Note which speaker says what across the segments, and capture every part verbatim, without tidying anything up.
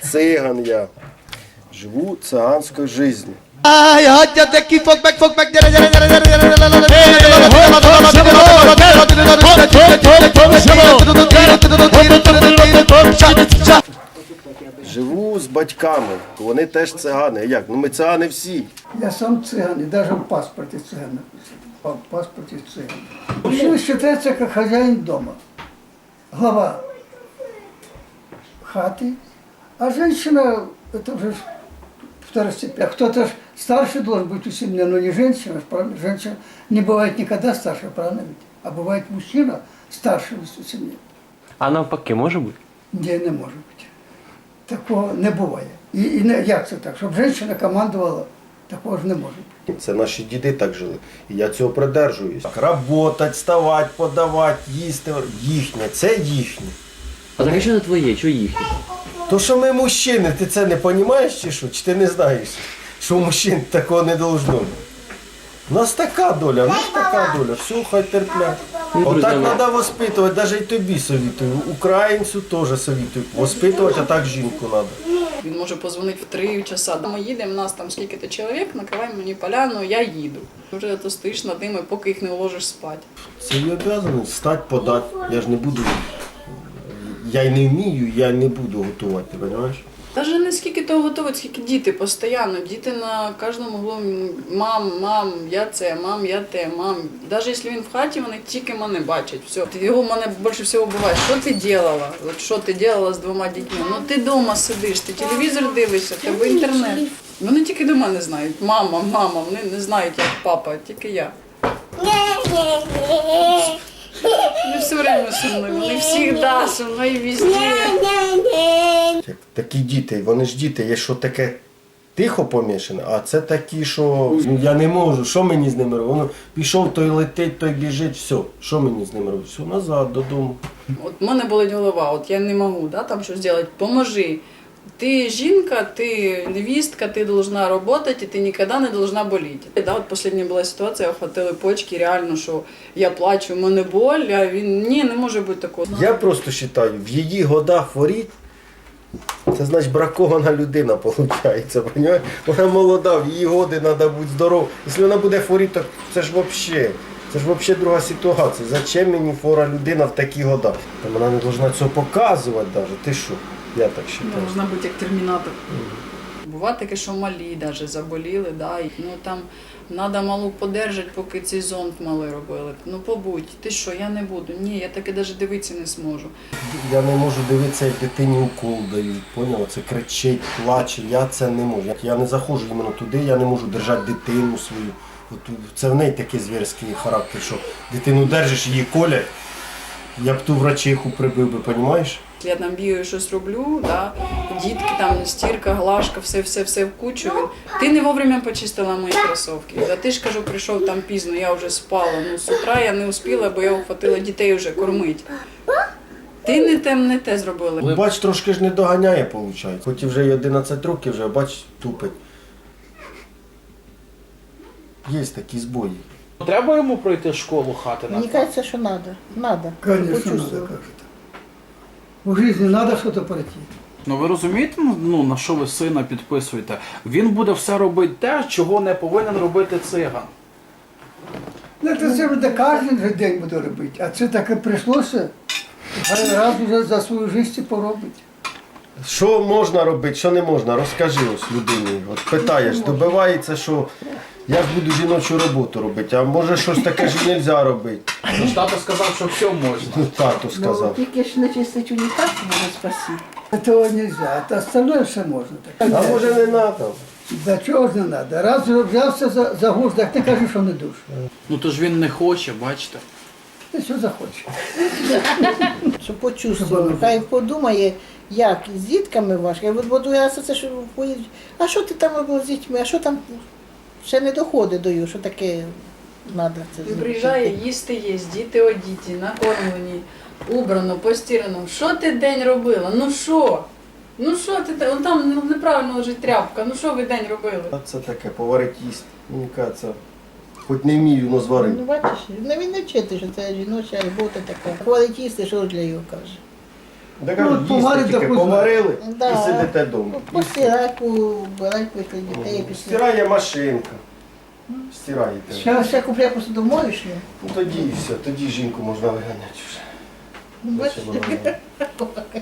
Speaker 1: циган я. Живу циганською життю. Живу з батьками, вони теж цигани. Як? Ну ми цигани всі.
Speaker 2: Я сам цыган, и даже в паспорте цыган написан. В паспорте цыган. Мужчина считается как хозяин дома. Глава хаты. А женщина, это уже второстепенно. Кто-то ж старше должен быть у семьи, но не женщина, правильно? Женщина не бывает никогда старше, правильно ведь? А бывает мужчина старше у семьи.
Speaker 3: А навпаки, може бути?
Speaker 2: Ні, не може бути. Такого не буває. І, і не, як це так? Щоб жінка командувала, такого ж не може бути.
Speaker 1: Це наші діди так жили. І я цього придержуюсь. Работать, вставати, подавати, їсти. Їхнє, це їхнє.
Speaker 3: А так а що це твоє, що їхнє?
Speaker 1: То, що ми мужчини, ти це не розумієш чи що? Чи ти не знаєш, що у мужчин такого не должно бути? У нас така доля, у нас така доля, все, хай терплять. Отак треба воспитувати, навіть і тобі совітую, українцю теж совітую. Воспитувати, а так жінку треба.
Speaker 4: Він може позвонити в три часа. Ми їдемо, нас там скільки-то чоловік, накривай мені поляну, я їду. Вже то стоїш над ними, поки їх не уложиш спати.
Speaker 1: Це її обов'язаність стати, подати. Я ж не буду, я й не вмію, я не буду готувати, ти розумієш?
Speaker 4: Навіть не скільки того готують, скільки діти постійно. Діти на кожному углу, мам, мам, я це, мам, я те, мам. Навіть якщо він в хаті, вони тільки мене бачать. Все. Його мене більше всього буває, що ти робила? От що ти робила з двома дітьми? Ну ти вдома сидиш, ти телевізор дивишся, в тебе інтернет. Вони тільки до мене знають. Мама, мама, вони не знають, як папа, тільки я. Вони все время со мною, вони завжди со мною везде.
Speaker 1: Такі діти, вони ж діти, є що таке тихо помішане, а це такі, що ну, я не можу, що мені з ними робити? Воно пішов, той летить, той біжить, все, що мені з ними робити? Все, назад, додому.
Speaker 4: От в мене болить голова, от я не можу да, там щось зробити, поможи. Ти жінка, ти невістка, ти повинна працювати, і ти ніколи не повинна боліти. Да, от остання була ситуація, охватили почки, реально, що я плачу, в мене боль, а він, ні, не може бути такого.
Speaker 1: Я просто вважаю, в її годах хворіть, це значить бракована людина, виходить, розумієш? Вона молода, в її годи треба бути здорова. Якщо вона буде хворіти, то це ж взагалі, це ж взагалі друга ситуація. Зачем мені хвора людина в такі года? Та вона не повинна цього показувати навіть, ти що? Я так вважаю.
Speaker 4: Должна бути як термінатор. Mm. Буває таке, що малі навіть заболіли, да, і, ну там треба малу подержати, поки цей зонд малий робили. Ну побудь, ти що, я не буду. Ні, я таки навіть дивитися не зможу.
Speaker 1: Я не можу дивитися, як дитині укол дають, поняла? Це кричить, плаче, я це не можу. Я не заходжу іменно туди, я не можу держати дитину свою. От це в неї такий звірський характер, що дитину держиш, її колять, я б ту врачиху прибив би, розумієш?
Speaker 4: Я там бігаю, щось роблю, да, дітки, там стірка, глажка, все-все-все в кучу. Ти не вовремя почистила мої кросівки. А ти ж, кажу, прийшов там пізно, я вже спала. Ну, з утра я не успіла, бо я ухватила дітей вже кормити. Ти не те, не те зробила.
Speaker 1: Бач, трошки ж не доганяє, виходить. Хоч і вже й одинадцять років, вже, бач, тупить. Є такі збої.
Speaker 5: Треба йому пройти школу хати?
Speaker 6: Мені кажется, що треба. Надо.
Speaker 2: Конечно, надо, как это. В жизни надо что-то пройти.
Speaker 5: Ну ви розумієте, ну, на що ви сина підписуєте? Він буде все робити те, чого не повинен робити циган.
Speaker 2: Ну, це це буде кожен же день буде робити, а це таке прийшлося, хай раз уже за свою життя поробить.
Speaker 1: Що можна робити, що не можна? Розкажи ось людині. От питаєш, добивається, що я ж буду жіночу роботу робити, а може щось таке ж не можна робити.
Speaker 5: Ну, тато сказав, що все можна.
Speaker 1: Ну, тато
Speaker 6: Ну,
Speaker 1: сказав.
Speaker 6: тільки ж не чистить унітаз, може спасти.
Speaker 2: Этого нельзя, а остальное все можно. Так.
Speaker 1: А може не треба?
Speaker 2: Да чого ж не треба? Раз вже взявся за, за гуш, так ти кажеш, що не душ.
Speaker 5: Ну то ж він не хоче, бачите.
Speaker 2: Ти що захочеш.
Speaker 6: Що почувствував. Хай подумає, як з дітками важко. От буду я це, що поїду. А що ти там робив з дітьми? А що там ще не доходить до його, що таке треба це
Speaker 4: Він
Speaker 6: зробити?
Speaker 4: приїжджає, їсти є, діти одіті, накормлені, убрано, постірано. Що ти день робила? Ну що? Ну що ти, он там неправильно лежить тряпка, ну що ви день робили?
Speaker 1: А це таке, поварить їсть. Мені кажеться, хоч не вмію, але зварить.
Speaker 6: Ну бачиш, ну, він не вчити, що це жіноча робота така. Хвалить їсти, що ж для його каже.
Speaker 1: Да,
Speaker 2: Ну,
Speaker 1: кажуть,
Speaker 2: от
Speaker 1: їсти
Speaker 2: поварите,
Speaker 1: тільки
Speaker 2: хоч
Speaker 1: поварили
Speaker 6: Да.
Speaker 1: і сидите вдома.
Speaker 6: Ну, постирай, побирай після дітей, після.
Speaker 1: Стирає машинка. Стираєте.
Speaker 6: Ще, ще купляй посудомоєчну.
Speaker 1: Ну тоді і все, тоді жінку можна виганяти вже. Зачем вона мені?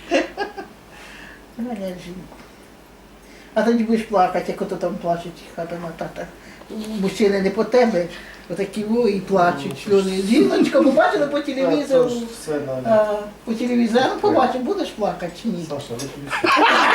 Speaker 6: Виганяй жінку. А тоді будеш плакати, як ото там плачуть, хата на тата. Мужчини не по тебе, отакі во і плачуть. Сльози. Жіночка побачила по телевізору.
Speaker 1: Це ж все, Надя.
Speaker 6: А, по телевізору побачив, будеш плакати чи ні?
Speaker 1: Саша, виключи.